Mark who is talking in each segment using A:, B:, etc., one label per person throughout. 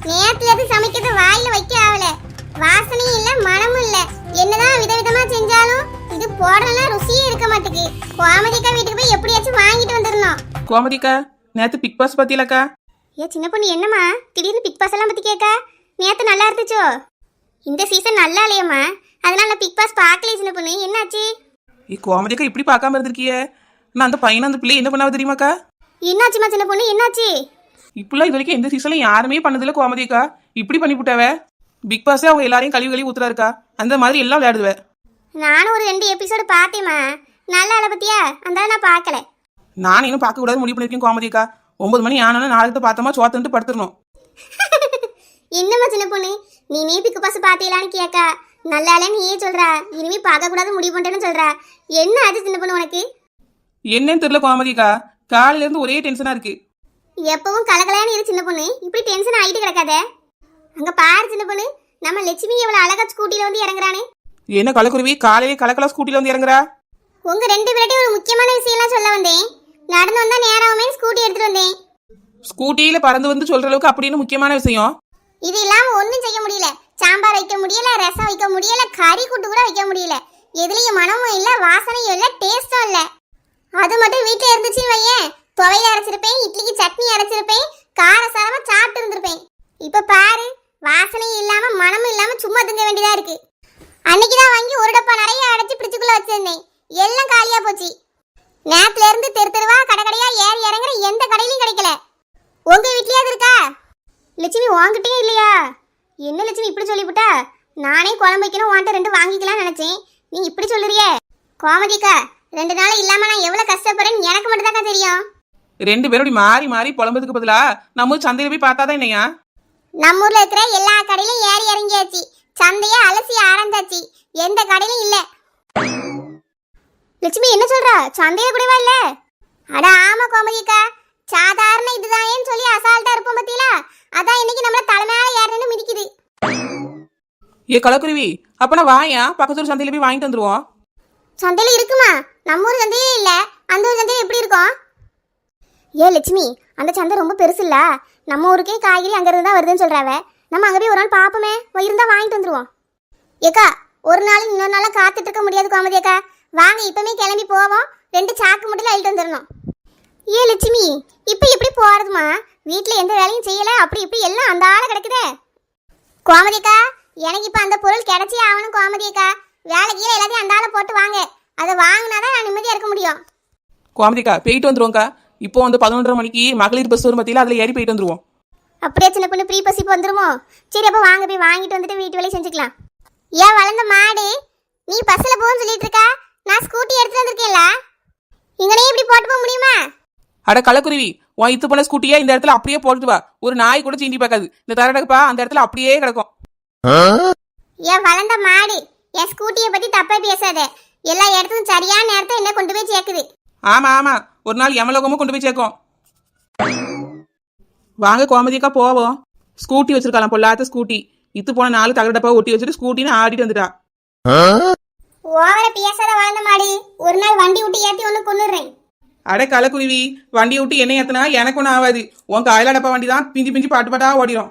A: நேத்துல இருந்து சமைக்கிறது வாயில வைக்க ஆகல. வாசனையும் இல்ல மனமும் இல்ல. என்னதான் விதவிதமா செஞ்சாலும் இது போடலாம் ருசியே இருக்க மாட்டேங்குது. கோமதிக்கா வீட்டுக்கு போய் எப்படியாச்சும் வாங்கிட்டு வந்துடணும்.
B: கோமதிக்கா நேத்து பிக் பாஸ் பத்தியிலக்கா?
A: ஏ சின்ன பொண்ணு என்னம்மா திடீர்னு பிக் பாஸ் எல்லாம் பத்தி கேட்க? நேத்து நல்லா இருந்துச்சோ? இந்த சீசன் நல்லா இல்லையம்மா, அதனால நான் பிக் பாஸ் பார்க்கல. சின்ன பொண்ணு என்னாச்சு?
B: கோமதிக்கா இப்படி பார்க்காம இருந்திருக்கியே. நான் அந்த பையனை அந்த பிள்ளை என்ன பண்ணாவது தெரியுமாக்கா?
A: என்னாச்சுமா சின்ன பொண்ணு என்னாச்சு?
B: இப்பெல்லாம் இது வரைக்கும் எந்த சீசன்ல யாருமே பண்ணதில்ல கோமதிக்கா. இப்படி பண்ணி விட்டாவ. பிக் பாஸே அவங்க எல்லாரையும் கழுவி ஊத்துறா இருக்கா. அந்த மாதிரி எல்லாம் விளையாடுவ.
A: நானும் ஒரு 2 எபிசோடு பார்த்தேம்மா, நல்லா இல்ல பத்தியா? அந்த நான் பார்க்கல.
B: நான் இன்னும் பார்க்க கூடாது முடிவு பண்ணிருக்கேன் கோமதிக்கா. 9 மணி ஆனாலும் நாளைக்கு பார்த்தோமா சோத்துட்டு படுத்துடணும்.
A: என்னம்மா சின்ன பொண்ணு நீ பிக் பாஸ் பார்த்தீங்களான்னு கேட்க நல்லா இல்லைன்னு நீயே சொல்றா. இனிமே பார்க்க கூடாது முடிவு பண்ணிட்டேன்னு சொல்றா. என்ன ஆச்சு சின்ன பொண்ணு உனக்கு?
B: என்னன்னு தெரியல கோமதிக்கா, காலையில இருந்து ஒரே டென்ஷனா இருக்கு.
A: எப்பவும் கலகலையான்னு இரு சின்ன பொண்ணு, இப்படி டென்ஷன் ஆகிட்டு கிடக்காத. அங்க பாரு சின்ன பொண்ணு, நம்ம லட்சுமி எவ்வளவு அழகா ஸ்கூட்டில வந்து இறங்குறானே.
B: என்ன கலக்குருவி காலையிலே கலக்கலா ஸ்கூட்டில வந்து இறங்குறா?
A: உங்க 2 பேர்கிட்ட ஒரு முக்கியமான விஷயம்லாம் சொல்ல வந்தேன். நடந்து வந்தா நேராவுமே ஸ்கூட்டி எடுத்துட்டு வந்தேன்.
B: ஸ்கூட்டியில பறந்து வந்து சொல்ற அளவுக்கு அப்படின்னு முக்கியமான விஷயம்?
A: இது இல்லாம ஒன்றும் செய்ய முடியல. சாம்பார் வைக்க முடியல, ரசம் வைக்க முடியல, கறி கூட்டு கூட வைக்க முடியல. எதுலயும் மனமும் இல்ல, வாசனையும் இல்ல, டேஸ்டும் இல்ல. அது மட்டும் வீட்டுல இருந்துச்சுன்னு வையேன், துவையில அரைச்சிருப்பேன், இட்லிக்கு சட்னி அரைச்சிருப்பேன், காரசாரமா சாப்பிட்டு இருந்திருப்பேன். இப்ப பாரு, வாசனையும் இல்லாம மனமும் இல்லாம சும்மா திங்க வேண்டியதா இருக்கு. அன்னைக்குதான் வாங்கி ஒரு டப்பா நிறைய அடைச்சு பிடிச்சுக்குள்ள வச்சிருந்தேன், எல்லாம் காலியா போச்சு. நேத்துல இருந்து தெரு தெருவா கடைக்கடையா ஏறி இறங்குற எந்த கடையிலும் கிடைக்கல. உங்க வீட்லயாவது இருக்கா? லட்சுமி வாங்கிட்டே இல்லையா? என்ன லட்சுமி இப்படி சொல்லிவிட்டா? நானே குழம்பு வைக்கணும் வாண்ட 2 வாங்கிக்கலாம் நினைச்சேன், நீ இப்படி சொல்லுறியே. கோமதிக்கா 2 நாள் இல்லாம நான் எவ்வளவு கஷ்டப்படுறேன்னு எனக்கு மட்டும் தான் தெரியும்.
B: 2 பேரும் இப்படி மாறி மாறி புலம்புறதுக்கு பதிலா நம்ம சந்தையில போய் பார்த்தாதான் என்னையா?
A: நம்ம ஊர்ல இருக்கிற எல்லா கடையிலும் ஏறி இறங்கியாச்சு, சந்தைய அலசி ஆரம்பிச்சாச்சு, எந்த கடையிலும் இல்ல. லட்சுமி என்ன சொல்றா? சந்தையில கூடவா இல்ல? அட ஆமா கோமதிக்கா, சாதாரண இதுதான் சொல்லி அசால்ட்டா இருப்போம் பத்தியில, அதான் இன்னைக்கு நம்மள தலைமையால ஏறணும்னு மிதிக்குது.
B: ஏ கலக்குருவி, அப்பனா வாயா பக்கத்தூர் சந்தையில போய் வாங்கிட்டு வந்துருவோம்.
A: சந்தையில இருக்குமா? நம்ம ஊர் சந்தையே இல்ல, அந்த ஊர் சந்தையில எப்படி இருக்கும்? ஏ லட்சுமி, அந்த சந்தை ரொம்ப பெருசு இல்ல, நம்ம ஊருக்கே காய்கறி அங்க இருந்து தான் வருதுன்னு சொல்றாவ. நம்ம அங்க போய் ஒரு நாள் பாப்போமே, இருந்தா வாங்கிட்டு வந்துருவோம். ஏக்கா ஒரு நாள் இன்னொரு நாளா காத்துட்டு இருக்க முடியாது கோமதி அக்கா, வாங்க இப்பமே கிளம்பி போவோம். 2 சாக்கு மட்டும் அள்ளிட்டு வந்துடணும். ஏ லட்சுமி, இப்ப எப்படி போறதுமா? வீட்டுல எந்த வேலையும் செய்யல, அப்படி இப்படி எல்லாம் அந்த ஆள கிடக்குதே. கோமதி அக்கா எனக்கு இப்ப அந்த பொருள் கிடைச்சே ஆகணும் கோமதி அக்கா. வேலைக்கு எல்லாத்தையும் அந்த ஆளை போட்டு வாங்க, அதை வாங்கினாதான் நான் நிம்மதியா இருக்க முடியும்.
B: கோமதிக்கா போயிட்டு வந்துருவோம்க்கா. இப்போ வந்து 11:30 மணிக்கு மகளிர் பஸ் வரும் பத்தியில அதுல ஏறி போயிட்டு வந்துருவோம்.
A: அப்படியே சின்ன பொண்ணு ப்ரீ பஸ் இப்போ வந்துருமோ? சரி அப்ப வாங்க போய் வாங்கிட்டு வந்துட்டு வீட்டு வேலையை செஞ்சுக்கலாம். ஏன் வளர்ந்த மாடு, நீ பஸ்ல போன்னு சொல்லிட்டு இருக்கா, நான் ஸ்கூட்டி எடுத்துட்டு வந்திருக்கேன்ல, இங்கனே இப்படி போட்டு போக முடியுமா?
B: அட கலக்குருவி, உன் இத்து போன ஸ்கூட்டியா இந்த இடத்துல அப்படியே போட்டுட்டு வா. ஒரு நாய் கூட சீண்டி பார்க்காது. இந்த தரடப்பா அந்த இடத்துல அப்படியே கிடக்கும்.
A: ஏன் வளர்ந்த மாடு, என் ஸ்கூட்டியை பத்தி தப்பா பேசாத. எல்லா இடத்துக்கும் சரியான நேரத்தை என்ன கொண்டு போய் சேர்க்குது.
B: ஆமா ஆமா, ஒரு நாள் யமலோகமும் கொண்டு போய் சேர்க்கும். வாங்க கோமதிக்கா போவோம். ஸ்கூட்டி வச்சிருக்கலாம், பொல்லாத ஸ்கூட்டி. இத்து போன 4 தகரடப்பா ஒட்டி வச்சுட்டு ஸ்கூட்டின்னு ஆடிட்டு வந்துட்டா.
A: ஓவர பேசாத வளர்ந்த மாடு, ஒரு நாள் வண்டி விட்டு ஏத்தி ஒண்ணு கொண்டுறேன்.
B: அட கலக்குருவி, வண்டியை விட்டு என்ன ஏத்தினா எனக்கு ஒன்றும் ஆகாது. உன் காயிலடப்பா வண்டி தான் பிஞ்சி பிஞ்சி பாட்டு பாட்டா ஓடிடும்.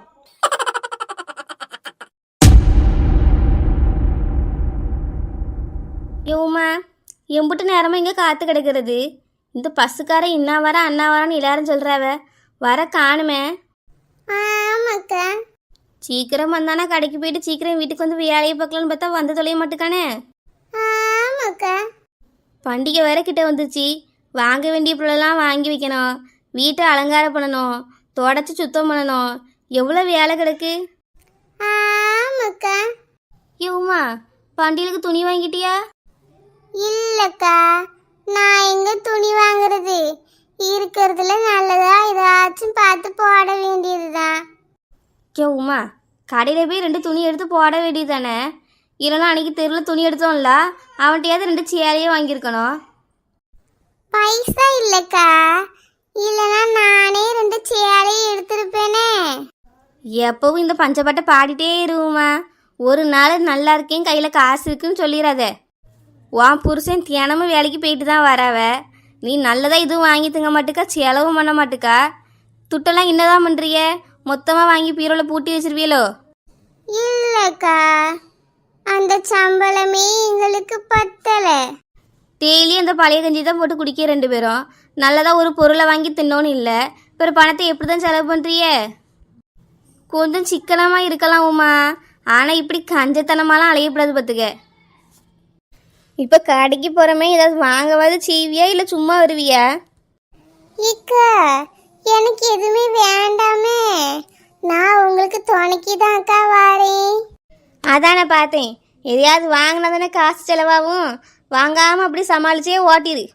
C: யோமா எம்புட்டு நேரமாக இங்கே காத்து கிடக்கிறது. இந்த பஸ்ஸுக்கார இன்னா வர அண்ணா வரான்னு எல்லாரும் சொல்கிறாவ, வர காணுமே.
A: ஆமாக்கா,
C: சீக்கிரம் வந்தானா கடைக்கு போயிட்டு சீக்கிரம் வீட்டுக்கு வந்து வேலையை பார்க்கலான்னு பார்த்தா வந்து தொலைய மாட்டுக்கானே.
A: ஆமாக்கா,
C: பண்டிகை வேற கிட்ட வந்துச்சு, வாங்க வேண்டிய பொருளெல்லாம் வாங்கி வைக்கணும், வீட்டை அலங்காரம் பண்ணணும், தொடச்சி சுத்தம் பண்ணணும், எவ்வளோ வேலை கிடக்கு.
A: ஆமாக்கா.
C: யோமா பண்டிகைக்கு துணி வாங்கிட்டியா?
A: இல்லக்கா, நான் எங்க துணி வாங்குறது? இருக்கிறதுல நல்லதா ஏதாச்சும் பார்த்து போட வேண்டியதுதான்.
C: உமா கடையில் போய் 2 துணி எடுத்து போட வேண்டியது தானே. இல்லைனா அன்றைக்கி தெருவில் துணி எடுத்தோம்ல, அவன்கிட்டயாவது 2 சேலையே வாங்கியிருக்கணும்.
A: பைசா இல்லக்கா, இல்லைன்னா நானே 2 சேலை எடுத்திருப்பேனே.
C: எப்பவும் இந்த பஞ்சப்பட்டை பாடிட்டே இருவுமா, ஒரு நாள் நல்லா இருக்கேன் கையில் காசு இருக்குன்னு சொல்லிடாத. உன் புருஷன் தினமும் வேலைக்கு போயிட்டு தான் வராவ, நீ நல்லதாக இதுவும் வாங்கி தங்க மாட்டுக்கா, செலவும் பண்ண மாட்டுக்கா. துட்டெல்லாம் என்னதான் பண்ணுறிய? மொத்தமாக வாங்கி பீரோவில் பூட்டி வச்சிருவீங்களோ?
A: இல்லக்கா, அந்த சம்பளமே எங்களுக்கு பத்தலை.
C: டெய்லி அந்த பழைய கஞ்சி தான் போட்டு குடிக்க 2 பேரும். நல்லதாக ஒரு பொருளை வாங்கி தின்னோன்னு இல்லை. பிறகு பணத்தை எப்படி தான் செலவு பண்ணுறிய? கொஞ்சம் சிக்கனமாக இருக்கலாம் உமா, ஆனால் இப்படி கஞ்சத்தனமாலாம் அலையக்கூடாது பார்த்துக்க. இப்போ கடைக்கு போகிறோமே, ஏதாவது வாங்கவாது செய்வியா இல்லை சும்மா வருவியா?
A: இக்கா, எனக்கு எதுவுமே வேண்டாமே. நான் உங்களுக்கு துணைக்கு தான் அக்கா வாரேன்.
C: அதான் நான் பார்த்தேன். எதையாவது வாங்கினா தானே காசு செலவாகும். வாங்காமல் அப்படி சமாளிச்சே ஓட்டிடு.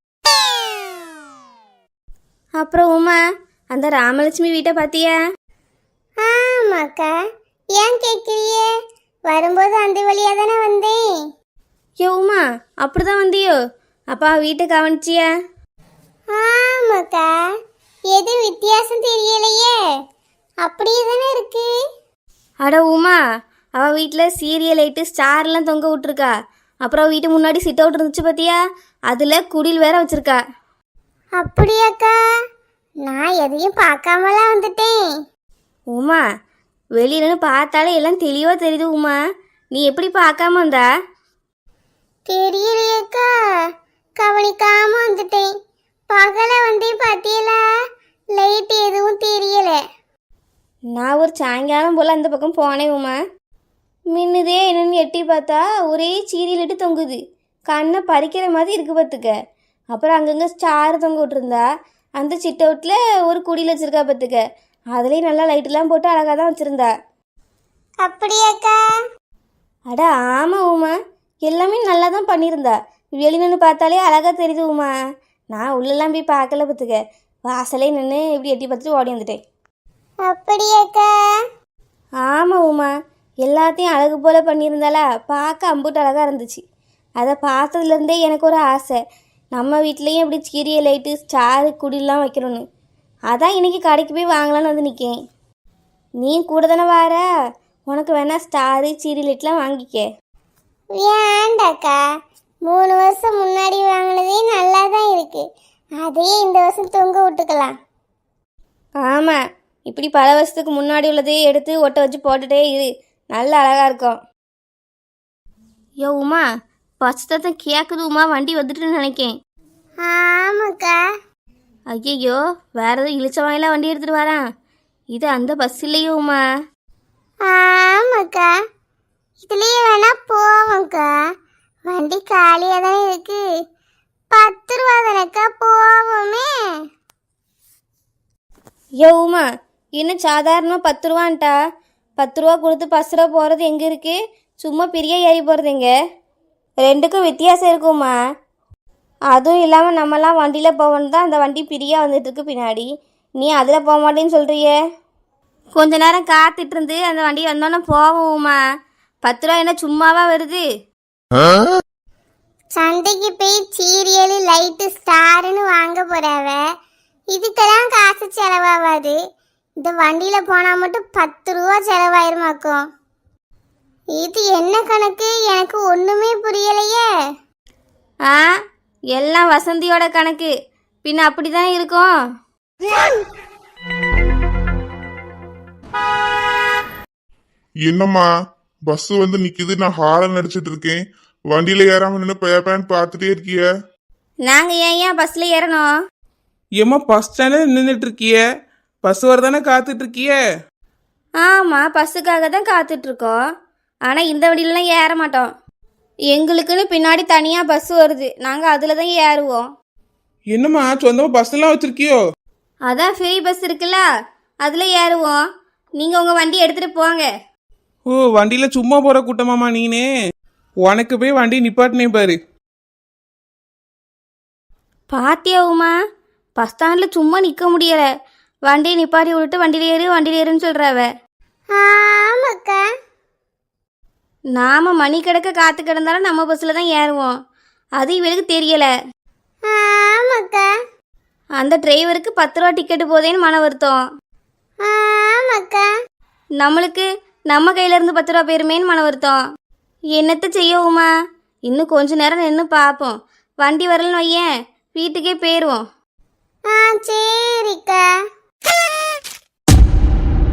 C: அப்புறம் உமா, அந்த ராமலட்சுமி வீட்டை பார்த்தியா?
A: ஆமாக்கா, ஏன் கேட்குறியே? வரும்போது அந்த வழியாக தானே வந்தேன்.
C: ஏ உமா, அப்படிதான் வந்தியோ? அப்பா வீட்டை கவனிச்சியா?
A: ஆமாக்கா, எதுவும் வித்தியாசம் தெரியலையே, அப்படியே தானே இருக்கு.
C: அட உமா, அவள் வீட்டில் சீரியல் லைட்டு ஸ்டார்லாம் தொங்க விட்டுருக்கா. அப்புறம் வீட்டு முன்னாடி சிட் அவுட் இருந்துச்சு பார்த்தியா? அதில் குடில் வேற வச்சிருக்கா.
A: அப்படியாக்கா? நான் எதையும் பார்க்காமலாம் வந்துட்டேன்.
C: உமா, வெளியிலன்னு பார்த்தாலே எல்லாம் தெளிவாக தெரியுது உமா. நீ எப்படி பார்க்காம வந்தா?
A: தெரியலையேக்கா, கவனிக்காம வந்துட்டேன். பகல வந்தே பாத்தியலா, லைட் எதுவும் தெரியல.
C: நான் ஒரு சாயங்காலம் போல் அந்த பக்கம் போனேன் உமா. மின்னுதே என்னன்னு எட்டி பார்த்தா ஒரே சீரியலிட்டு தொங்குது. கண்ணை பறிக்கிற மாதிரி இருக்கு பார்த்துக்க. அப்புறம் அங்கங்கே ஸ்டார் தொங்க விட்டுருந்தா. அந்த சிட் அவுட்டில் ஒரு குடியில் வச்சுருக்கா பார்த்துக்க. அதுலேயும் நல்லா லைட்டெல்லாம் போட்டு அழகாக தான் வச்சுருந்தா.
A: அப்படியாக்கா?
C: அட ஆமாம் உமா, எல்லாமே நல்லா தான் பண்ணியிருந்தா. வெளியின்னு பார்த்தாலே அழகாக தெரியுது உமா. நான் உள்ளெல்லாம் போய் பார்க்கல பார்த்துக்க. வாசலே நின்று இப்படி எட்டி பார்த்துட்டு ஓடி வந்துட்டேன்.
A: அப்படியாக்கா?
C: ஆமாம் உமா, எல்லாத்தையும் அழகு போல் பண்ணியிருந்தாளா, பார்க்க அம்புட்டு அழகாக இருந்துச்சு. அதை பார்த்ததுலேருந்தே எனக்கு ஒரு ஆசை, நம்ம வீட்லேயும் இப்படி சீரியல் லைட்டு ஸ்டாரு குடிலாம் வைக்கணும்னு. அதான் இன்றைக்கி கடைக்கு போய் வாங்கலான்னு வந்து நிற்கேன். நீ கூட தானே வார, உனக்கு வேணா ஸ்டாரு சீரியல் லைட்லாம் வாங்கிக்க.
A: வேண்டாக்கா, 3 வருஷம் முன்னாடி வாங்கினதே நல்லா தான் இருக்கு. அதையே இந்த வருஷம் தொங்க விட்டுக்கலாம்.
C: ஆமாம், இப்படி பல வருஷத்துக்கு முன்னாடி உள்ளதையே எடுத்து ஒட்ட வச்சு போட்டுட்டே இரு, நல்ல அழகாக இருக்கும். யோ உமா, பச்சத்தம் கேட்குது உமா, வண்டி வந்துட்டுன்னு நினைக்கேன்.
A: ஆமாக்கா.
C: ஐயையோ, வேற எதுவும் இழிச்ச வாயிலாம் வண்டி எடுத்துகிட்டு வரான். இது அந்த பஸ் இல்லையோ உமா?
A: ஆமாக்கா, இதுலயே வேணா போவோம்க்கா. வண்டி காலியாக தானே இருக்கு. 10 ரூபா தானேக்கா, போவோமே.
C: யோ உமா, இன்னும் சாதாரணமாக 10 ரூபான்ட்டா. 10 ரூபா கொடுத்து 10 ரூபா போகிறது எங்கே இருக்குது? சும்மா பெரிய ஏறி போகிறது எங்கே? 2க்கும் வித்தியாசம் இருக்குமா? அதுவும் இல்லாமல் நம்மலாம் வண்டியில் போகணும் தான், அந்த வண்டி பிரியாக வந்துட்டுருக்கு பின்னாடி. நீ அதில் போக மாட்டேன்னு சொல்கிறியே. கொஞ்ச நேரம் காத்துட்டு இருந்து அந்த வண்டி வந்தோன்னே போவோம்மா. 10 ரூபா என்ன சும்மாவா வருது?
A: சந்தைக்கு போய் சீரியல் லைட்டு ஸ்டாருன்னு வாங்க போறாவ. இதுக்கெல்லாம் காசு செலவாகாது. இந்த வண்டியில போனா மட்டும் 10 ரூபா செலவாயிருமாக்கும். இது என்ன கணக்கு? எனக்கு ஒண்ணுமே புரியலையே.
C: ஆ, எல்லாம் வசந்தியோட கணக்கு. பின்ன அப்படிதான் இருக்கும்.
D: என்னம்மா, பஸ் வந்து நிக்குது, நான் ஹாரன் அடிச்சிட்டு இருக்கேன். வண்டியில ஏறாம நின்று பேப்பேன்னு பார்த்துட்டே இருக்கிய.
C: நாங்க ஏன் பஸ்ல ஏறணும்?
B: ஏம்மா பஸ் ஸ்டாண்டில் நின்றுட்டு இருக்கிய? பஸ் வரதானே காத்துட்டு இருக்கிய?
C: ஆமா, பஸ்ஸுக்காக தான் காத்துட்டு இருக்கோம். ஆனா இந்த வண்டியிலலாம் ஏற மாட்டோம். எங்களுக்குன்னு பின்னாடி தனியா பஸ் வருது, நாங்க அதுல தான் ஏறுவோம்.
B: என்னம்மா சொந்தமா பஸ் எல்லாம் வச்சிருக்கியோ?
C: அதான் ஃப்ரீ பஸ் இருக்குல்ல, அதுல ஏறுவோம். நீங்க உங்க வண்டி எடுத்துட்டு போங்க.
B: ஓ, வண்டியில சும்மா போற கூட்டமாமா நீனே? உனக்கு போய் வண்டி நிப்பாட்டினே பாரு.
C: பாத்தியாவுமா, பஸ் ஸ்டாண்ட்ல சும்மா நிக்க முடியல. வண்டியை நிப்பாட்டி விட்டுட்டு வண்டியில ஏறுன்னு சொல்றாவ.
A: ஆமாக்கா.
C: நாம மணி கிடக்க காத்து கிடந்தாலும் நம்ம பஸ்ல தான் ஏறுவோம். அது இவளுக்கு தெரியல.
A: ஆமாக்கா.
C: அந்த டிரைவருக்கு 10 ரூபா டிக்கெட்டு போதேன்னு மன வருத்தம்.
A: ஆமாக்கா.
C: நம்மளுக்கு நம்ம கையில இருந்து 10 ரூபா போயிருமேன்னு மன வருத்தம். என்னத்த செய்யவுமா, இன்னும் கொஞ்ச நேரம் நின்று பார்ப்போம். வண்டி வரலன்னு வையேன், வீட்டுக்கே போயிடுவோம்.
A: சரிக்கா.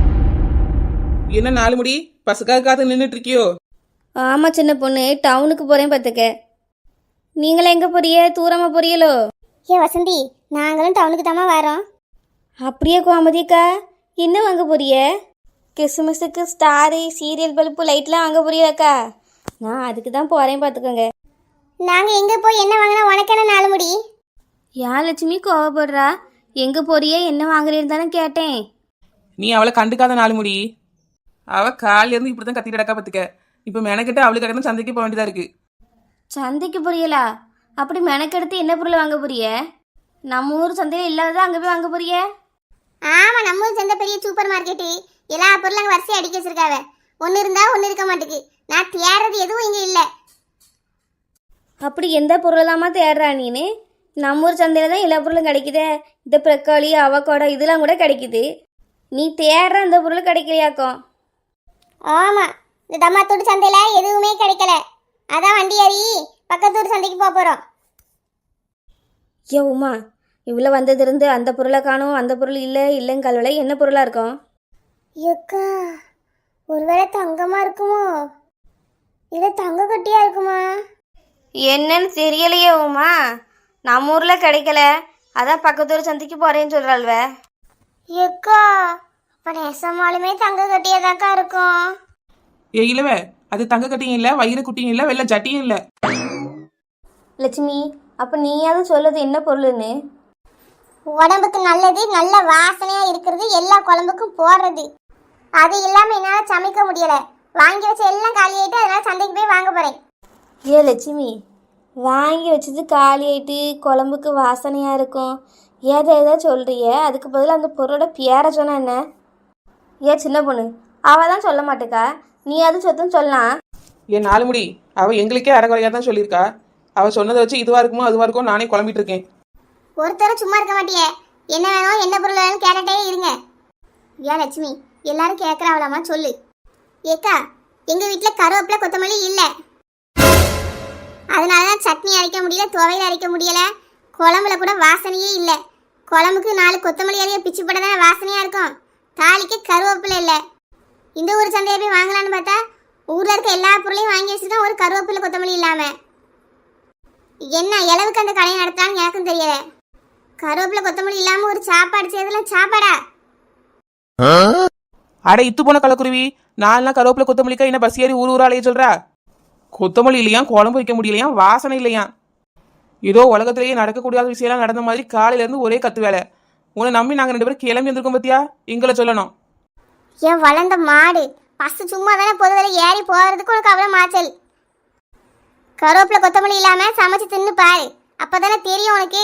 B: என்ன 4 முடி பசுக்காக காத்து நின்றுட்டு இருக்கியோ?
C: ஆமாம் சின்ன பொண்ணு, டவுனுக்கு போகிறேன் பார்த்துக்க. நீங்களே எங்கே போறிய? தூரமாக போறியலோ?
A: ஏ வசந்தி, நாங்களும் டவுனுக்கு தாம்மா வரோம்.
C: அப்படியே கோமதிக்கா, என்ன வாங்க போறிய? கிறிஸ்மஸுக்கு ஸ்டாரு, சீரியல் பல்பு, லைட்லாம் வாங்க போறியாக்கா? நான் அதுக்கு தான் போகிறேன் பார்த்துக்கோங்க.
A: நாங்க எங்க போய் என்ன வாங்கினா உனக்கு என்ன 4 முடி?
C: ஏன் லட்சுமி கோவப்படுறா? எங்கே போறிய, என்ன வாங்குறேன்னு தானே கேட்டேன்.
B: நீ அவளை கண்டுக்காத 4 முடி. அவ காலையில இருந்து இப்படிதான் கத்திட்டு கிடக்கா பார்த்துக்க. இப்போ மெனக்கிட்ட அவளுக்கு கடந்து சந்தைக்கு போக வேண்டியதா இருக்கு.
C: சந்தைக்கு போறியலா? அப்படி மெனக்கெடுத்து என்ன பொருள் வாங்க போறிய? நம்ம ஊர் சந்தையில் இல்லாததான் அங்கே போய் வாங்க போறிய?
A: ஆமா, நம்ம ஊர் சேர்ந்த பெரிய சூப்பர் மார்க்கெட்டு. எல்லா பொருளும் அங்கே வரிசையை அடிக்க வச்சிருக்காவ. ஒன்று இருந்தா ஒன்று இருக்க மாட்டேங்குது. நான் தேடுறது எதுவும் இங்கே இல்லை.
C: அப்படி எந்த பொருளாமா தேடுறா நீனு? நம்ம ஊர் சந்தையில் தான் எல்லா பொருளும் கிடைக்குதே. இந்த பிரக்காளி, அவக்கோடா இதெல்லாம் கூட கிடைக்குது. நீ தேடுற அந்த பொருள் கிடைக்கலையாக்கும்.
A: ஆமா, இந்த தம்மாத்தூர் சந்தையில் எதுவுமே கிடைக்கல. அதான் வண்டி ஏறி பக்கத்தூர் சந்தைக்கு போக போகிறோம்.
C: ஏ உமா, இவ்வளோ வந்ததிருந்து அந்த பொருளை காணும், அந்த பொருள் இல்லை இல்லைங்கல்வலை என்ன பொருளாக இருக்கும்?
A: ஏக்கா, ஒருவேளை தங்கமா இருக்குமோ இல்லை தங்க கட்டியா இருக்குமா?
C: என்னன்னு தெரியலையே உமா. நம்ம ஊரில் கிடைக்கல, அதான் பக்கத்தூர் சந்தைக்கு போகிறேன்னு சொல்கிறாள்வ.
A: ஏக்கா, அப்போ நெசமாலுமே தங்க கட்டியாதாக்கா இருக்கும்.
B: ஏ இல்லவ, அது தங்க கட்டியும் இல்லை, வயிறு குட்டியும் இல்லை, வெள்ளை ஜட்டியும் இல்லை.
C: லட்சுமி, அப்போ நீயாவது சொல்லுது என்ன பொருள்னு?
A: உடம்புக்கு நல்லது, நல்ல வாசனையா இருக்கிறது, எல்லா குழம்புக்கும் போடுறது. அது இல்லாம என்னால சமைக்க முடியல. வாங்கி வச்ச எல்லாம் காலி ஆயிட்டு, அதனால சந்தைக்கு போய் வாங்க போறேன்.
C: ஏ லட்சுமி, வாங்கி வச்சது காலி ஆயிட்டு குழம்புக்கு வாசனையாக இருக்கும் ஏதோ சொல்கிறிய, அதுக்கு பதிலாக அந்த பொருளோட பேரை சொன்னா என்ன? ஏன் சின்ன பொண்ணு, அவள் தான் சொல்ல மாட்டேக்கா, நீ அது சொத்துன்னு சொல்லலாம்.
B: ஏன் 4 முடி, அவ எங்களுக்கே அறகுறையாக தான் சொல்லியிருக்கா. அவ சொன்னதை வச்சு இதுவா இருக்குமோ அதுவா இருக்கும் நானே குழம்பிட்டு இருக்கேன்.
A: ஒருத்தரும் சும்மா இருக்க மாட்டியே. என்ன வேணும், என்ன பொருள் வேணும்னு கேட்டுட்டே இருங்க. ஏன் லட்சுமி, எல்லாரும் கேட்கறாவளாமா, சொல்லு. ஏக்கா, எங்க வீட்டுல கருவேப்பிலை கொத்தமல்லி இல்லை. அதனாலதான் சட்னி அரைக்க முடியல, துவையல் அரைக்க முடியல, குழம்புல கூட வாசனையே இல்லை. குழம்புக்கு 4 கொத்தமல்லி அரைய பிச்சு போட தானே வாசனையா இருக்கும். தாளிக்கு கருவேப்பிலை இல்லை. இந்த ஊர் சந்தையை போய் வாங்கலான்னு பார்த்தா ஊர்ல இருக்க எல்லா பொருளையும் வாங்கி வச்சுருக்கேன், ஒரு கருவேப்பிலை கொத்தமல்லி இல்லாம. என்ன அளவுக்கு அந்த கடையை நடத்தான்னு எனக்கும் தெரியல. கருவேப்பிலை கொத்தமல்லி இல்லாம ஒரு சாப்பாடு செய்யறதுலாம் சாப்பாடா?
B: அட இத்து போன கலக்குருவி, 4 நாள் கருவேப்பிலை கொத்தமல்லிக்கா என்ன பஸ் ஏறி ஊர் அலைய சொல்றா? கொத்தமல்லி இல்லையா, குழம்பு வைக்க முடியலையா, வாசனை இல்லையா. ஏதோ உலகத்திலேயே நடக்கக்கூடாத விஷயம்லாம் நடந்த மாதிரி காலையில இருந்து ஒரே கத்து வேலை. உன்னை நம்பி நாங்கள் 2 பேரும் கிளம்பி வந்திருக்கோம் பத்தியா? எங்களை சொல்லணும்.
A: ஏன் வளர்ந்த மாடு பஸ் சும்மா தானே பொதுவில் ஏறி போகிறதுக்கு உனக்கு அவ்வளோ மாச்சல். கருவேப்பிலை கொத்தமல்லி இல்லாமல் சமைச்சு தின்னு பாரு, அப்போதானே தெரியும் உனக்கு.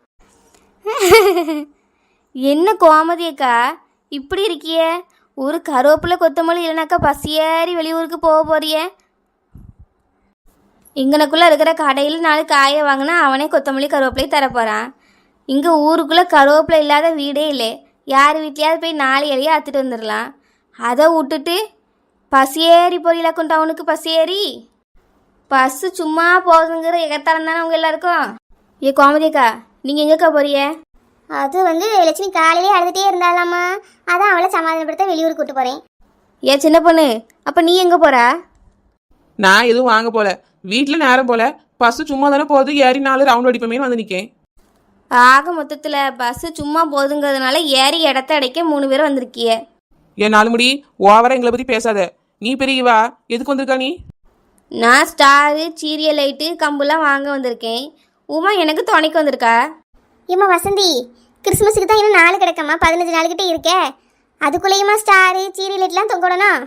C: என்ன கோமதியக்கா இப்படி இருக்கியே? ஒரு கருவேப்பிலை கொத்தமல்லி இல்லைனாக்கா பஸ் ஏறி வெளியூருக்கு போக போறிய? இங்கனக்குள்ளே இருக்கிற கடையில் 4 காயை வாங்கினா அவனே கொத்தமல்லி கருவேப்பிலை தரப்போகிறான். இங்கே ஊருக்குள்ளே கருவேப்பிலை இல்லாத வீடே இல்லை. யார் வீட்லையாவது போய் 4 இலையை அத்துட்டு வந்துடலாம். அதை விட்டுட்டு பஸ் ஏறி போறீங்களாக்கும் டவுனுக்கு. பஸ் ஏறி பஸ்ஸு சும்மா போகுதுங்கிற எகத்தாலம் தானே அவங்க எல்லாருக்கும். ஏ கோமதிக்கா, நீங்கள் எங்கேக்கா போறிய?
A: அது லட்சுமி காலையிலே அழுதுகிட்டே இருந்தாலாமா, அதான் அவளை சமாதானப்படுத்த வெளியூருக்கு கூட்டு போகிறேன்.
C: ஏன் சின்ன பொண்ணு, அப்போ நீ எங்கே போகிறா?
B: நான் எதுவும் வாங்க போல, வீட்டில் நேரம் போல. பஸ் சும்மா தானே போகுது, ஏறி 4 ரவுண்ட் அடிப்பமேனு வந்து நிற்கேன்.
C: ஆக மொத்தத்தில் பஸ்ஸு சும்மா போகுதுங்கிறதுனால ஏறி இடத்த அடைக்க 3 பேர் வந்திருக்கிய.
B: ஏன் 4 முடி, ஓவரா எங்களை பற்றி பேசாத. நீ பெரியவா, எதுக்கு வந்திருக்கா நீ?
C: நான் ஸ்டாரு, சீரியல் லைட்டு, கம்புலாம் வாங்க வந்திருக்கேன். உமா எனக்கு துணைக்கு வந்திருக்கா.
A: ஏம்மா வசந்தி, கிறிஸ்மஸுக்கு தான் இன்னும் 4 கிடக்கம்மா, 15 நாளுக்கிட்டே இருக்கே. அதுக்குள்ளேயுமா ஸ்டாரு சீரியல் லைட்லாம் தொங்கடணும்?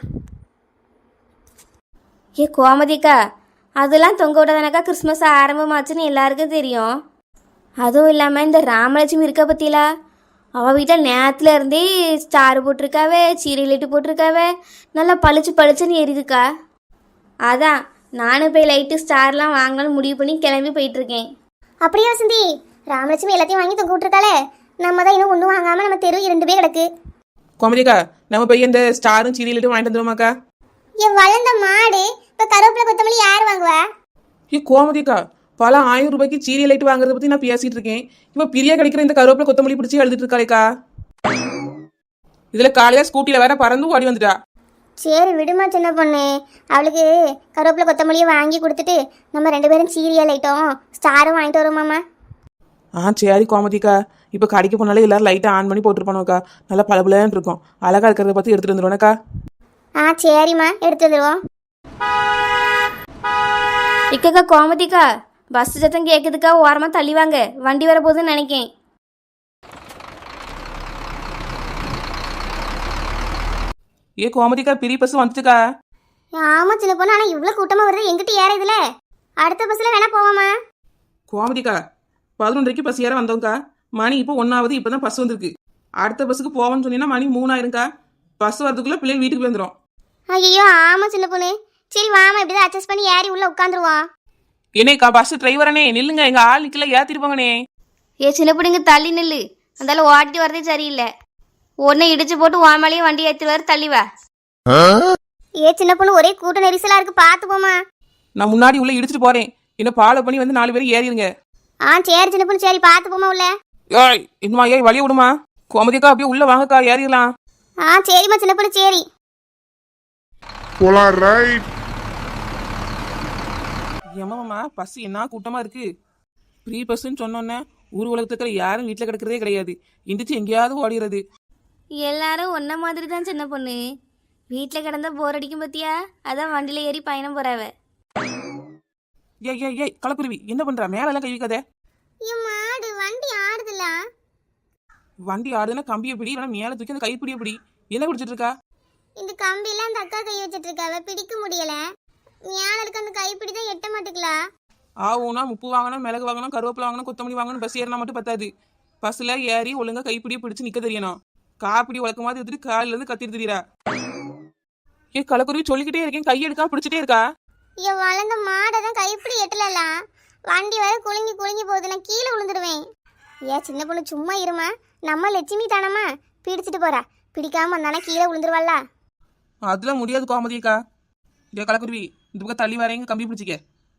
C: ஏ கோமதிக்கா, அதெல்லாம் தொங்க விடாதானக்கா கிறிஸ்மஸ் ஆரம்பமாச்சுன்னு எல்லாருக்கும் தெரியும். அதுவும் இல்லாமல் இந்த ராமலட்சுமி இருக்கா பற்றிலா, அவள் வீட்டில் நேரத்தில் இருந்தே ஸ்டார் போட்டிருக்காவே, சீரியல் லைட்டு போட்டிருக்காவே, நல்லா பளிச்சு பளிச்சுன்னு எரியுதுக்கா. அதான் நானும் போய் லைட்டு ஸ்டார்லாம் வாங்கலாம்னு முடிவு பண்ணி கிளம்பி போயிட்டுருக்கேன்.
A: அப்படியே வசந்தி, ராமலட்சுமி எல்லாத்தையும் வாங்கி தொங்க விட்டுருக்காளே, நம்ம தான் இன்னும் ஒன்றும் வாங்காமல் நம்ம தெரு 2 பேர் கிடக்கு.
B: கோமதிக்கா, நம்ம போய் இந்த ஸ்டாரும் சீரியலிட்டும் வாங்கிட்டு வந்துருமாக்கா.
A: என் வளர்ந்த மாடு, இப்போ கருவேப்பிலை கொத்தமல்லி யார் வாங்குவா?
B: ஏ கோமதிக்கா, பல 1000 ரூபாய்க்கு சீரியல் லைட் வாங்குறத பற்றி நான் பேசிட்டு இருக்கேன். இப்போ பிரியா கிடைக்கிற இந்த கருவேப்பிலை கொத்தமல்லி பிடிச்சி எழுதிட்டு இருக்காளேக்கா. இதில் காலையில் ஸ்கூட்டியில் வேற பறந்து ஓடி வந்துட்டா.
A: சரி விடுமா சின்ன பொண்ணு. அவளுக்கு கருவேப்பிலை கொத்தமல்லியை வாங்கி கொடுத்துட்டு நம்ம 2 பேரும் சீரியல் ஐட்டம் ஸ்டாரும் வாங்கிட்டு வருவோமாம்மா.
B: சரி கோமதிக்கா. இப்போ கடைக்கு போனாலே எல்லாரும் லைட்டை ஆன் பண்ணி போட்டுருப்பானோக்கா. நல்லா பளபளன்னு இருக்கும். அழகா இருக்கிறத பார்த்து எடுத்துட்டு வந்துடுவோனக்கா.
A: சரிம்மா, எடுத்து வந்துடுவோம்.
C: இக்கக்கா கோமதிக்கா, பஸ் சத்தம் கேட்குதுக்கா, ஓரமாக தள்ளி வாங்க, வண்டி வர போகுதுன்னு நினைக்கேன்.
B: ஏ கோமதிக்கா, பெரிய பஸ் வந்துட்டுக்கா.
A: ஆமா சின்ன பொண்ணு, ஆனால் இவ்வளோ கூட்டமாக வருது, எங்கிட்ட ஏறுதுல. அடுத்த பஸ்ஸில் வேணா போவோமா?
B: கோமதிக்கா 11:30 பஸ் ஏற வந்தோங்க்கா. மணி இப்போ 1 இப்போ தான் பஸ் வந்திருக்கு. அடுத்த பஸ்ஸுக்கு போவோம்னு சொன்னீங்கன்னா மணி 3 ஆயிரும்க்கா. பஸ் வரதுக்குள்ளே பிள்ளைங்க வீட்டுக்கு வந்துடும்.
A: ஐயோ ஆமாம் சின்ன பொண்ணு. சரி வாமா, இப்படி தான் அட்ஜஸ்ட் பண்ணி ஏறி உள்ளே உட்காந்துருவோம்.
B: என்னேக்கா பஸ் டிரைவரனே நில்லுங்க, எங்க ஆள் நிக்கல, ஏத்திருப்பாங்கண்ணே.
C: ஏ சின்ன பிள்ளைங்க தள்ளி நில்லு, அந்தால ஓட்டிட்டு வரதே சரியில்லை. ஒன்றை இடிச்சு போட்டு ஓமாலையும் வண்டி ஏற்றுவார், தள்ளி வா.
A: சின்ன பொண்ணு, ஒரே கூட்ட நெரிசலாக இருக்கு, பார்த்து போமா.
B: நான் முன்னாடி உள்ள இடிச்சிட்டு போறேன். என்ன ஃபாலோ பண்ணி வந்து 4 பேரும் ஏறிடுங்க.
A: சரி சின்ன பொண்ணு, சரி பார்த்து போமா உள்ள.
B: ஏய் இன்னுமா ஏய் வழிய விடுமா. கோமதிக்கா அப்படியே உள்ள வாங்கக்கா, ஏறிடலாம்.
A: சரிம்மா சின்ன பொண்ணு, சரி
D: போலாம். ரைட்.
B: ஏமாம்மா பஸ் என்ன கூட்டமா இருக்கு. ஃப்ரீ பஸ்ன்னு சொன்னோன்னே ஊர் உலகத்துக்கு யாரும் வீட்டில் கிடக்கிறதே கிடையாது. எந்திரிச்சு எங்கேயாவது ஓடிடுறது.
C: எல்லாரும் ஒன்றை மாதிரி தான் சின்ன பொண்ணு. வீட்டில் கிடந்தா போர் அடிக்கும் பத்தியா, அதான் வண்டியில் ஏறி பயணம் போறாவ.
B: ஏய் கலக்குருவி என்ன பண்ற? மேலெல்லாம் கை வைக்காதே.
A: மாடு வண்டி ஆடுதுல.
B: வண்டி ஆடுதுன்னா கம்பியை பிடி, இல்லைன்னா மேலே தூக்கி அந்த கைப்பிடியை பிடி. என்ன பிடிச்சிட்டு இருக்கா?
A: இந்த கம்பியில அந்த அக்கா கை வச்சிட்டு இருக்காவ, பிடிக்க முடியல. மேல இருக்க அந்த கைப்பிடி தான் எட்ட மாட்டுக்கலா.
B: ஆவுனா உப்பு வாங்கணும், மிளகு வாங்கணும், கருவேப்பிலை வாங்கணும், கொத்தமல்லி வாங்கணும். பஸ் ஏறினா மட்டும் பத்தாது. பஸ்ல ஏறி ஒழுங்கா கைப்பிடியை பிடிச்சு நிக்க தெரியணும். காப்பிடி வழக்க மாதிரி எடுத்துட்டு காலில இருந்து கத்திட்டு தெரியுறா. கலக்குருவி சொல்லிக்கிட்டே இருக்கேன், கையெடுக்கா பிடிச்சிட்டே இருக்கா.
A: வளர்ந்த மாடை தான் கைப்பிடி எட்டலாம். வண்டி வர குலுங்கி குலுங்கி போகுது, நான் கீழே விழுந்துடுவேன். சின்ன பொண்ணு சும்மா இருமா, நம்ம லட்சுமி தானம்மா, பிடிச்சிட்டு போறா. பிடிக்காம வந்தானா கீழே விழுந்துருவாள்ல.
B: அதெல்லாம் முடியாது கோமதிக்கா. கலக்குருவி இந்த பக்கம் தள்ளி வரேங்க, கம்பி பிடிச்சிக்க.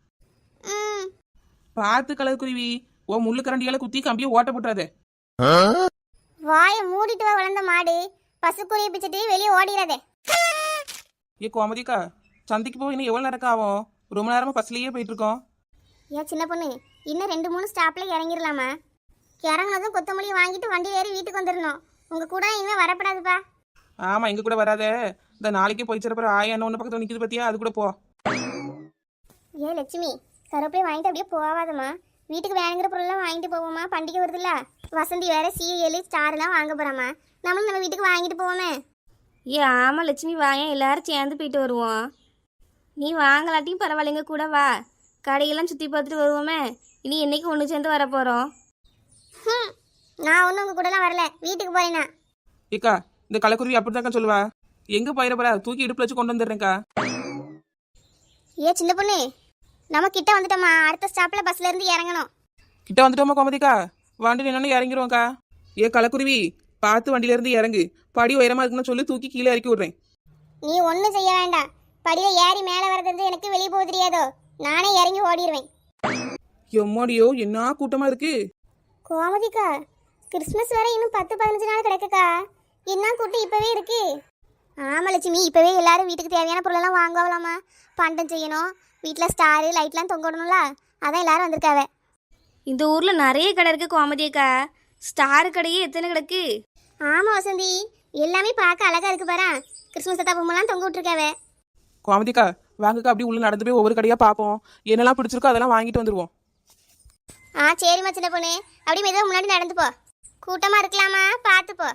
B: பார்த்து கலக்குருவி, ஓ முள்ளு கரண்டியால குத்தி கம்பியை ஓட்ட போட்டுறாதே.
A: வாயை மூடிட்டு வா வளர்ந்த மாடு, பசுக்குரிய பிச்சுட்டு வெளியே ஓடிடாதே.
B: கோமதிக்கா, சந்தைக்கு போய் இன்னும் எவ்வளோ நேரம் ஆகும்? ரொம்ப நேரமா பஸ்லயே போயிட்டு இருக்கோம்.
A: சின்ன பொண்ணு, இன்னும் 2-3 ஸ்டாப்ல இறங்கிடலாமா? இறங்கினதும் கொத்தமல்லி வாங்கிட்டு வண்டி ஏறி வீட்டுக்கு வந்துடணும். உங்க கூட இனிமே வரப்படாதுப்பா.
B: ஆமா எங்க கூட வராத. இந்த நாளைக்கே போய் சிறப்பு ஆயா ஒன்று பக்கத்தில் நிற்கிது பத்தியா, அது கூட போ.
A: லட்சுமி, கருவேப்பிலை வாங்கிட்டு அப்படியே போவாதம்மா. வீட்டுக்கு வேணுங்கிற பொருள்லாம் வாங்கிட்டு போவோமா, பண்டிகை வருதுல்ல. வசந்தி வேற சீரியல் ஸ்டார்லாம் வாங்க போறாமா, நம்மளும் நம்ம வீட்டுக்கு வாங்கிட்டு போவோமே.
C: ஆமாம் லட்சுமி, வாயன் எல்லாரும் சேர்ந்து போயிட்டு வருவோம். நீ வாங்கலாட்டியும் பரவாயில்லைங்க, கூட வா, கடையெல்லாம் சுற்றி பார்த்துட்டு வருவோமே. இனி என்னைக்கு ஒன்று சேர்ந்து வர போகிறோம்.
A: நான் ஒன்றும் உங்க கூடலாம் வரல, வீட்டுக்கு போறேன்னா.
B: இந்த கலக்குருவி அப்படித்தாக்கா சொல்லுவா. எங்க போயிட போறா, தூக்கி இடுப்புல வச்சு கொண்டு வந்துடுறேன்க்கா.
A: சின்ன பொண்ணு, நம்ம கிட்ட வந்துட்டோமா, அடுத்த ஸ்டாப்ல பஸ்ல இருந்து இறங்கணும்.
B: கிட்ட வந்துட்டோமா கோமதிக்கா? வண்டி நின்னு இறங்கிடுவோம்க்கா. கலக்குருவி பார்த்து வண்டியில இருந்து இறங்கு. படி உயரமா இருக்குன்னு சொல்லி தூக்கி கீழே இறக்கி விடுறேன்.
A: நீ ஒன்றும் செய்ய வேண்டாம். படியில ஏறி மேலே வரது எனக்கு வெளியே போக தெரியாதோ, நானே இறங்கி ஓடிடுவேன்.
B: எம்மாடியோ என்ன கூட்டமா இருக்கு.
A: கோமதிக்கா, கிறிஸ்மஸ் வரை இன்னும் 10-15 நாள் கிடக்குக்கா. என்ன கூட்டம் இப்பவே இருக்கு. ஆமா லட்சுமி, இப்பவே எல்லாரும் வீட்டுக்கு தேவையான பொருளெல்லாம் வாங்கலாமா. பண்டம் செய்யணும், வீட்டில் ஸ்டாரு லைட்லாம் தொங்கணும்ல, அதான் எல்லாரும் வந்திருக்காவ.
C: இந்த ஊரில் நிறைய கடை இருக்கு கோமதியக்கா. ஸ்டார் கடையே எத்தனை கிடக்கு.
A: ஆமா வசந்தி, எல்லாமே பார்க்க அழகா இருக்கு பாரு. கிறிஸ்மஸ் தாத்தா பொம்மைலாம் தொங்க விட்டுருக்காவ.
B: கோமதிக்கா வாங்கக்கா, அப்படி உள்ள நடந்து போய் ஒவ்வொரு கடையா பார்ப்போம். என்னெல்லாம் பிடிச்சிருக்கோ அதெல்லாம் வாங்கிட்டு வந்துருவோம்.
A: சரிம்மா சின்ன பொண்ணு, அப்படி மெதுவாக முன்னாடி நடந்து போ. கூட்டமா இருக்கலாமா, பார்த்து போ.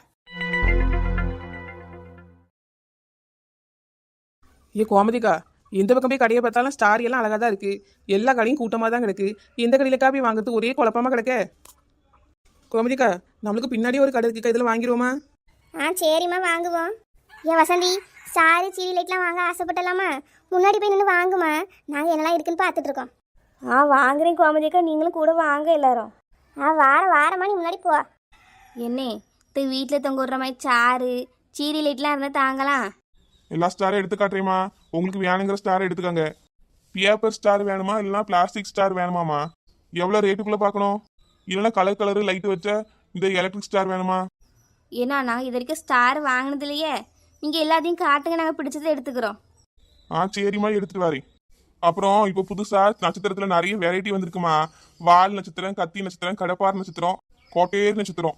B: கோமதிக்கா, எந்த பக்கம் போய் கடையை பார்த்தாலும் ஸ்டார் எல்லாம் அழகா தான் இருக்கு. எல்லா கடையும் கூட்டமா தான் கிடக்கு. எந்த கடையிலக்கா போய் வாங்குறது ஒரே குழப்பமா கிடக்க. கோமதிக்கா, நம்மளுக்கு பின்னாடி ஒரு கடை இருக்குக்கா, இதில் வாங்கிடுவோமா?
A: சரிம்மா வாங்குவோம். வசந்தி, ஸ்டாரு சீரி லைட்லாம் வாங்க ஆசைப்பட்டலாமா? முன்னாடி போய் நின்று வாங்குமா, நாங்கள் என்னெல்லாம் இருக்குன்னு பார்த்துட்டு இருக்கோம்.
C: வாங்குறேன் கோமதியக்கா, நீங்களும் கூட வாங்க எல்லாரும்.
A: வாரமா நீ முன்னாடி போ.
C: என்ன வீட்டில் தொங்க விடுற மாதிரி சாரு சீரி லைட்லாம் இருந்தால் தாங்கலாம்.
D: எல்லா ஸ்டாரும் எடுத்து காட்டுறேம்மா. உங்களுக்கு வேணுங்கிற ஸ்டார் எடுத்துக்கோங்க. பேப்பர் ஸ்டார் வேணுமா இல்லைனா பிளாஸ்டிக் ஸ்டார் வேணுமாம்மா? எவ்வளோ ரேட்டுக்குள்ளே பார்க்கணும்? இல்லைனா கலர் லைட்டு வச்ச இந்த எலக்ட்ரிக் ஸ்டார் வேணுமா?
C: ஏன்னா நான் இது வரைக்கும் ஸ்டார் வாங்கினது இல்லையே. நீங்கள் எல்லாத்தையும் காட்டுங்க, நாங்கள் பிடிச்சதை எடுத்துக்கிறோம்.
D: சரிம்மா எடுத்துட்டு வரேன். அப்புறம் இப்போ புதுசா நட்சத்திரத்துல நிறைய வெரைட்டி வந்திருக்குமா. வால் நட்சத்திரம், கத்தி நட்சத்திரம், கடப்பார் நட்சத்திரம், கோட்டேரி நட்சத்திரம்.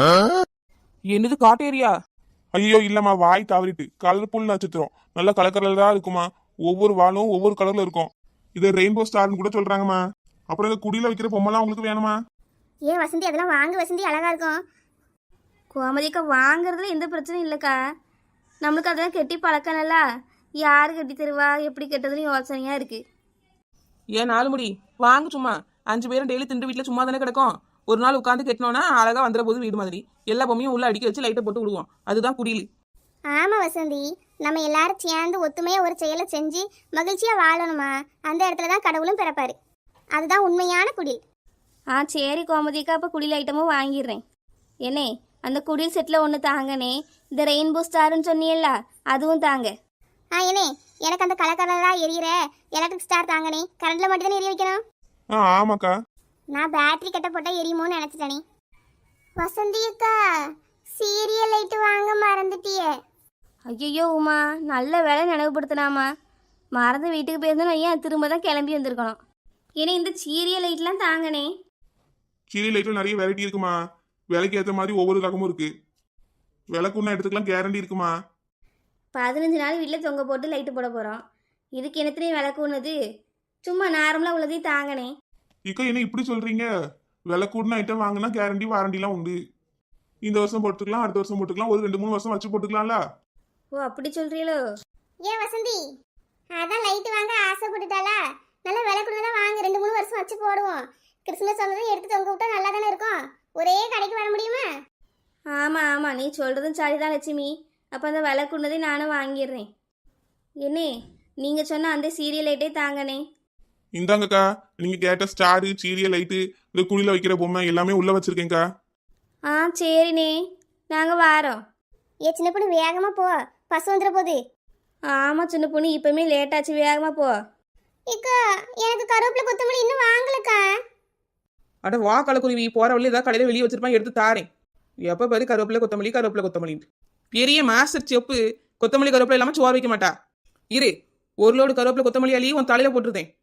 B: என்னது காட்டேரியா?
D: ஐயோ இல்லம்மா, வாய் தவறிட்டு. கலர்ஃபுல் நட்சத்திரம், நல்ல கலர் கலரா இருக்குமா. ஒவ்வொரு வாலும் ஒவ்வொரு கலர்ல இருக்கும். இதை ரெயின்போ ஸ்டார்னு கூட சொல்றாங்கம்மா. அப்புறம் இந்த குடியில வைக்கிற பொம்மைலாம் உங்களுக்கு வேணுமா?
A: ஏன் வசந்தி அதெல்லாம் வாங்க வசந்தி, அழகா இருக்கும்.
C: கோமதிக்கா வாங்குறதுல எந்த பிரச்சனையும் இல்லைக்கா. நம்மளுக்கு அதெல்லாம் கெட்டி பழக்கம்ல. யார் கட்டி தருவா, எப்படி கெட்டதுன்னு யோசனையாக இருக்குது.
B: ஏன் 4 முடி வாங்க சும்மா. 5 பேரும் டெய்லி திண்டு வீட்டில் சும்மா தானே கிடக்கும். ஒரு நாள் உட்காந்து கட்டினோன்னா அழகா வந்துற போது வீடு மாதிரி எல்லா பொம்மையும் உள்ள அடிக்க வச்சு லைட்டை போட்டு விடுவோம். அதுதான் குடியில்.
A: ஆமா வசந்தி, நம்ம எல்லாரும் சேர்ந்து ஒத்துமையா ஒரு செயலை செஞ்சு மகிழ்ச்சியா வாழணுமா. அந்த இடத்துல தான் கடவுளும் பிறப்பாரு. அதுதான் உண்மையான குடில்.
C: சரி கோமதிக்கா, அப்போ குடில் ஐட்டமும் வாங்கிடுறேன். என்னே, அந்த குடில் செட்டில் ஒன்று தாங்கனே. இந்த ரெயின்போ ஸ்டாருன்னு சொன்னியல்ல, அதுவும் தாங்க.
A: ஏனே, எனக்கு அந்த கலர் கலரா எரியிற எலக்ட்ரிக் ஸ்டார் தாங்கனே. கரண்ட்ல மட்டும் தானே எரிய வைக்கணும்.
D: ஆமாக்கா.
A: நான் பேட்டரி கட்ட போட்டா எரியுமோன்னு நினைச்சிட்டேனே. வசந்தி அக்கா, சீரியல் லைட் வாங்க மறந்துட்டியே.
C: ஐயோ உமா, நல்ல வேலை நினைவுபடுத்தினாமா. மறந்து வீட்டுக்கு போயிருந்தோம், ஏன் திரும்ப தான் கிளம்பி வந்திருக்கணும். ஏன்னா இந்த சீரியல் லைட்லாம் தாங்கனே.
D: சீரியல் லைட்ல நிறைய வெரைட்டி இருக்குமா. விலைக்கு ஏற்ற மாதிரி ஒவ்வொரு ரகமும் இருக்கு. விலைக்குன்னா எடுத்துக்கலாம், கேரண்டி இருக்குமா.
C: 15 நாள் வீட்டில் தொங்க போட்டு லைட்டு போட போகிறோம். இதுக்கு என்னத்துலேயும் விளக்கு ஒன்றுது. சும்மா நார்மலாக உள்ளதையும் தாங்கனே.
D: இக்கா என்ன இப்படி சொல்றீங்க? விலை கூடின ஐட்டம் வாங்கினா கேரண்டி வாரண்டிலாம் உண்டு. இந்த வருஷம் போட்டுக்கலாம், அடுத்த வருஷம் போட்டுக்கலாம், ஒரு 2-3 வருஷம் வச்சு போட்டுக்கலாம்ல.
C: ஓ அப்படி சொல்கிறீங்களோ?
A: ஏன் வசந்தி, அதான் லைட் வாங்க ஆசைப்பட்டுட்டாளா. நல்ல விலை கொடுத்தா வாங்க, 2-3 வருஷம் வச்சு போடுவோம். கிறிஸ்மஸ் வந்ததும் எடுத்து தொங்க விட்டா நல்லா தானே இருக்கும். ஒரே கடைக்கு வர முடியுமா?
C: ஆமாம் ஆமாம், நீ சொல்கிறதும் சரிதான் லட்சுமி. அப்போ அந்த விலை கொண்டதை நானும் வாங்கிடுறேன். என்னே, நீங்கள் சொன்ன அந்த சீரியல் லைட்டே தாங்கனே.
D: இந்தாங்கக்கா, நீங்க கேட்ட ஸ்டாரு, சீரியல் லைட்டு, இந்த குழியில வைக்கிற பொம்மை எல்லாமே உள்ள வச்சிருக்கேன்க்கா.
C: சரிண்ணே, நாங்கள் வாரோம்.
A: சின்ன பொண்ணு வேகமா போ, பஸ் வந்துட போகுது.
C: ஆமாம் சின்ன பொண்ணு, இப்போமே லேட்டாச்சு, வேகமாக போ.
A: இக்கா, எனக்கு கருவேப்பிலை கொத்தமல்லி இன்னும் வாங்கலக்கா.
B: அட வா கலக்குருவி, போற வழி ஏதாவது கடையில வெளியே வச்சிருப்பான், எடுத்து தாரேன். எப்போ பாரு கருவேப்பிலை கொத்தமல்லி கருவேப்பிலை கொத்தமல்லின்னு. பெரிய மாஸ்டர் செப்பு கொத்தமல்லி கருவேப்பிலை இல்லாமல் சோறு வைக்க மாட்டா. இரு, ஒரு லோடு கருவேப்பிலை கொத்தமல்லி அள்ளி உன் தலையில போட்டுருந்தேன்.